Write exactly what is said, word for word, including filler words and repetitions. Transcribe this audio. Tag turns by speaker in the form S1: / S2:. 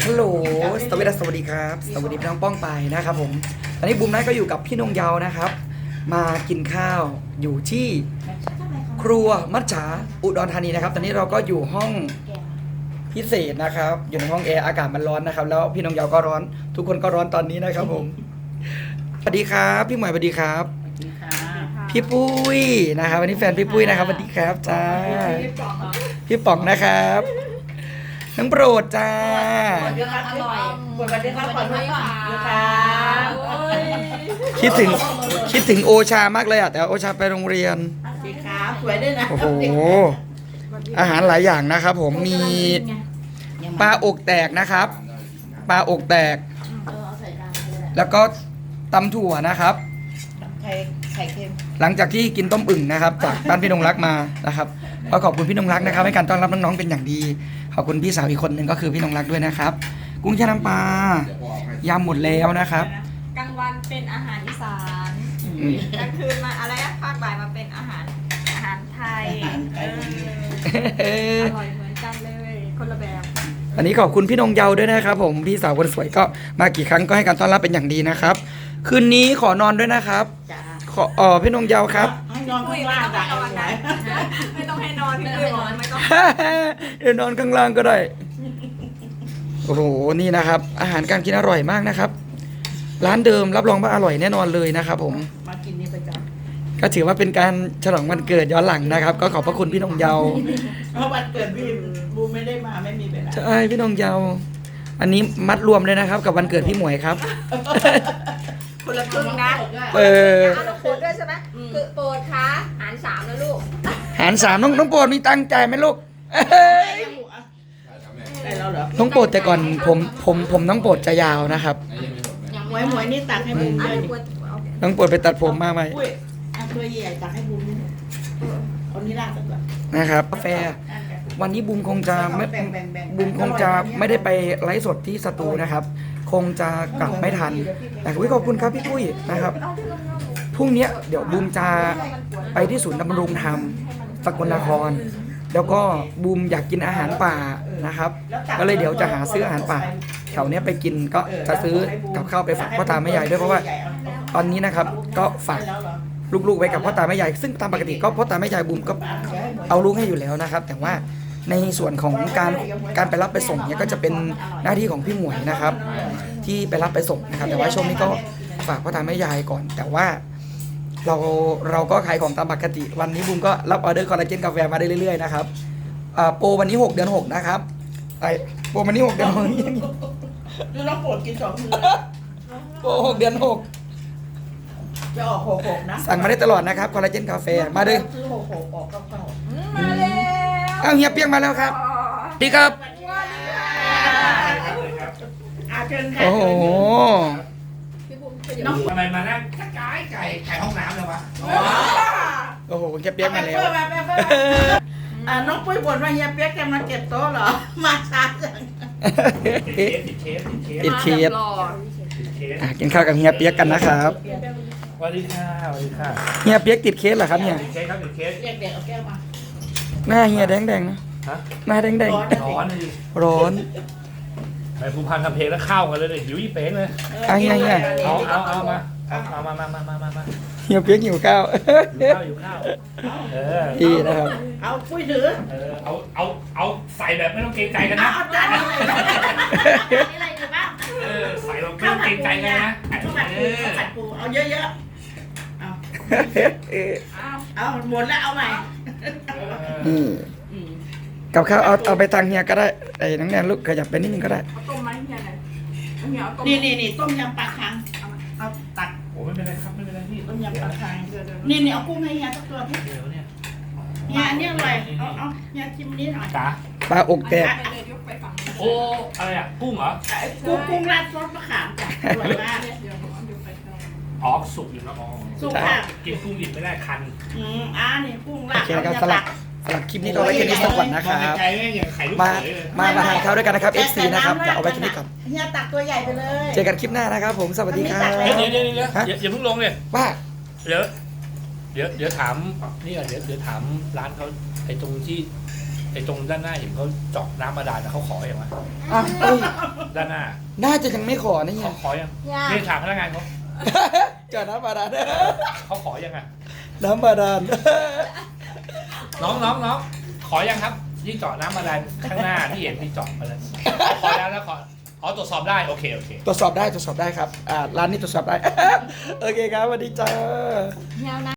S1: ฮัลโหลสวัสดีสวัสดีครับสวัสดีพี่น้องป้องไปนะครับผมตอนนี้บูมไนท์ก็อยู่กับพี่นงเยาวนะครับมากินข้าวอยู่ที่ครัวมัจฉาอุดรธานีนะครับตอนนี้เราก็อยู่ห้องพิเศษนะครับอยู่ในห้องแอร์อากาศมันร้อนนะครับแล้วพี่นงเยาวก็ร้อนทุกคนก็ร้อนตอนนี้นะครับผมสวัสดีครับพี่หมวยสวัสดีครับพี่ปุ้ยนะครับวันนี้แฟนพี่ปุ้ยนะครับสวัสดีครับจ้าพี่ป๋องนะครับน้องโปรดจ้า
S2: เยอะครับอร่อยปวดกระเด็นครับขอโทษค่ะเยอะครับ
S1: คิดถึงคิดถึงโอชามากเลยอ่ะแต่โอชาไปโรงเรียน
S2: สีขาวสวยด้วยนะ
S1: โอ้โหอาหารหลายอย่างนะครับผมมีปลาอกแตกนะครับปลาอกแตก แล้วก็ตำถั่วนะครับ
S2: ไข่ไข่เค็ม
S1: หลังจากที่กินต้มอึ่งนะครับจากบ้านพี่นงรักมานะครับก็ขอบคุณพี่นงรักนะครับให้การต้อนรับน้องๆเป็นอย่างดีขอบคุณพี่สาวอีกคนหนึ่งก็คือพี่นงรักด้วยนะครับกุ้งแช่น้ำปลายำหมดแล้วนะครับ
S3: กลางวันเป็นอาหารอีสานกลางคืนมาอะไรอะภาคบ่ายมาเป็นอาหารอาหารไทยเอออร่อยเหมือนกันเลยคนละแบบ
S1: วันนี้ขอบคุณพี่นงเยาด้วยนะครับผมพี่สาวคนสวยก็มากี่ครั้งก็ให้การต้อนรับเป็นอย่างดีนะครับคืนนี้ขอนอนด้วยนะครับ
S2: จ้า
S1: ขออ๋อพี่นงเยาครับ
S2: ให้นอนข้างล่างจ้ะเอาไว้
S3: ไม่ต้องให้นอนพี่ปุ้ยบอกไม่ต้อง
S1: เดี๋ยวนอนข้างล่างก็ได้โอ้โหนี่นะครับ อาหารการกินอร่อยมากนะครับ ร้านเดิมรับรองว่าอร่อยแน่นอนเลยนะครับผม
S2: มากินนี่ประจ
S1: ก็ถือว่าเป็นการฉลองวันเกิดย้อนหลังนะครับ ก็ขอบพระคุณพี่นงเยา
S2: ำเพราะวันเกิดพี่บูมไม่ได้มาไม่มีเวลา
S1: ใช่พี่นงเยาอันนี้มัดรวมเลยนะครับ กับวันเกิดพี่หมวยครับ
S3: คนละครึ่งนะ
S1: เออ
S3: เอาเราโปรดด้วยใช่ไหมคือโปรดคะหารสามนะลูก
S1: หารสามน้องน้องโปรดมีตังค์จ่ายไหมลูกเอ้ย
S2: ได้แล้วเหรอ
S1: น้องโปรดแต่ก่อนผมผมผมน้องโปรดจะยาวนะครับ
S2: หมวยหมวยนี่ตักให้บูม
S3: อ่ะ
S2: ด้วย
S3: หนู
S2: ดิ
S3: กลัวโอเค
S1: น้องโปรดไปตัดผมมาไหม
S2: อุ้ยเอาตัวใหญ่ตักให้บูมนี่เอานี่ราดก่อน
S1: นะครับกาแฟวันนี้บูมคงจะไม่
S2: แบ่งแบ่งแบ่ง
S1: บูมคงจะไม่ได้ไปไลฟ์สดที่สตูนะครับ คงจะกลับไม่ทันแต่อุ๊ยขอบคุณครับพี่ปุ้ยนะครับพรุ่งนี้เดี๋ยวบูมจะไปที่ศูนย์ดำรงธรรมสกลนคร แล้วก็บูมอยากกินอาหารป่านะครับ ก็เลยเดี๋ยวจะหาซื้ออาหารป่าแถวเนี้ยไปกินก็จะซื้อกับข้าวไปฝากพ่อตาแม่ยายด้วยเพราะว่าตอนนี้นะครับก็ฝากลูกๆไว้กับพ่อตาแม่ยายซึ่งตามปกติก็พ่อตาแม่ยายบูมก็เอาลูกให้อยู่แล้วนะครับ แต่ว่าในส่วนของการการไปรับไปส่งเนี่ยก็จะเป็นหน้าที่ของพี่หมวยนะครับ ที่ไปรับไปส่งนะครับแต่ว่าช่วงนี้ก็ฝากพ่อตาแม่ยายก่อน แต่ว่าเราเราก็ขายของตามปกติวันนี้บูมก็รับออเดอร์คอลลาเจนกาแฟมาได้เรื่อยๆนะครับอ่าโปรวันนี้หกเดือนหกนะครับไอโปรวันนี้หกเดือนหก
S2: คือน้องโปรดกินสองมือ
S1: โปรหกเดือนหก
S2: จะออกหกหกนะ
S1: สั่งมาได้ตลอดนะครับคอลลาเจนกาแฟมาเลย
S2: ซื้อหกหกออกเก้าเก้า
S3: มาแล้ว
S1: อ้าวเฮียเปียงมาแล้วครับดีครับ
S2: อาเชิญค่ะ
S1: โอ้โห
S2: น้อง
S4: ทำไมมานั่งกระจายไก่ไก่ห้องน้ำเลยวะ
S1: โอ้โหเฮียเปียงมาแล้ว
S2: อ่าน้องปุ้ยบ่นว่าเฮียเปี๊ยกแกมาเก็บโต๊ะเหรอ มาช้าจัง
S4: ติดเคสติดเคสติดเคส
S1: ติดเคส
S3: หล่อ
S4: ติดเคส
S1: อ่ะกินข้าวกับเฮียเปียกกันนะครับ
S4: สวัสดีค่ะสวัสดีค่ะ
S1: เฮียเปียกติดเคสเหรอครับเนี่ย
S4: ติดเคสครับติดเคส
S2: เรียกเด็กเอาแก้วมา
S1: หน้าเฮียแดงๆนะ
S4: ฮะ
S1: หน้าแดง
S2: ร้อน
S4: ร้อนเลยดิ
S1: ๆร้อน
S4: ไปภูพันทำเพลงแล้วเข้ากันเลยเลยหิวยี่เป้งเลย
S1: อ่ะเฮียเฮีย
S4: เอาเอาเอามาเอาเอามามามามามามา
S1: เฮียเปียกหิวข้าว
S4: อยู่ข้าวอยู่ข้าวเออ
S1: ดีนะครับ
S2: เอาปุ้ยถือ
S4: เออเอาเอาเอาใส่แบบไม่ต้องเกรงใจกัน
S2: เอา
S4: นะ
S2: เอาจานนี้เลยนี่อะไรดีบ้าง
S4: เออใส่เราไม่ต้องเกรงใจกันนะ
S2: ข้าวผัด
S4: เอ
S2: ปู
S4: อ
S2: ข้าวผัดปูเอาเยอะๆเอาเอาหมดแล้วเอาใหม่
S1: นี่กับข้าวเอาเอาไปทางเฮียก็ได้ไอ้นังแนนลูกขยับไปนิดนึงก็ได้
S3: เอาต้มไหมเฮียไหนเอาเฮียเอาต้ม
S2: นี่นี่นี่ต้มยำปลาคังเอาตัก
S4: โอ้ไม่เป็นไรครับไม่เป็นไรพี่
S2: ต้มยำปลาคังนี่นี่เอากุ้งให้เฮียสักตัวพี่
S4: เดี๋ยวเนี่ย
S2: เฮียอันนี้อร่อยเอาเอาเฮียชิมนี้หน่อย
S4: จ๋า
S1: ปลาอกแตก
S3: ไปเลยยกไปฝั่งนี้
S4: โอ้อะไรอ่ะกุ้งเหรอ
S2: กุ้งกุ้งราดซอสมะขามจ้ะอร่อยมาก
S3: เดี๋ยวผมเอายกไปข้าง
S4: อ๋อสุกอยู่แล้วอ๋อ
S2: สุกค่ะ
S4: กินกุ้งดิบไม่ได้คัน
S2: อืมอ่านี่กุ้ง
S1: โอ
S2: ราด
S1: เคนะครับสลับสลับคลิปนี้ก็เอาไว้แค่นี้สักก่อนนะครับ
S4: ใจแม่งอย่างไข่ลูก
S1: มา
S4: เขยเลย
S1: มามาทานข้าวด้วยกันนะครับ เอฟ ซี นะครับเดี๋ยวเอาไว้แค่นี้ก่อน
S2: เฮียตักตัวใหญ่ไปเลย
S1: เจอกันคลิปหน้านะครับผมสวัสดีครับ
S4: เดี๋ยวเดี๋ยวเดี๋ยวเดี๋ยว
S1: ฮะ
S4: อย่าอย่าเพิ่งลงเลย
S1: ว่า
S4: เดี๋ยวเดี๋ยวเดี๋ยวถามนี่ก่อนเดี๋ยวเดี๋ยวถามร้านเขาไอ้ตรงที่ไอ้ตรงด้านหน้าเห็นเขาเจาะน้ำบาดาลนะเขาขออย่างไร
S1: อ่ะเอ้ย
S4: ด้านหน้า
S1: น่าจะยังไม่ขอนะเฮี
S4: เขา
S1: ย
S4: ขอยัง
S3: ยัง
S4: นี่ถามพนักงานเขา
S1: เจอน้ำบาดาล
S4: เขาขอยังอ่ะ
S1: น้ำบาดาล
S4: น้องน้องน้องขอยังครับที่เจาะน้ำอะไรข้างหน้าที่เห็นที่เจาะมาแล้วขอแล้วแล้วขออ๋อตรวจสอบได้โอเคโอเค
S1: ตรวจสอบได้ตรวจสอบได้ครับอ่าร้านนี้ตรวจสอบได้ โอเคครับสวัสดีจ้า
S3: ยาวนะ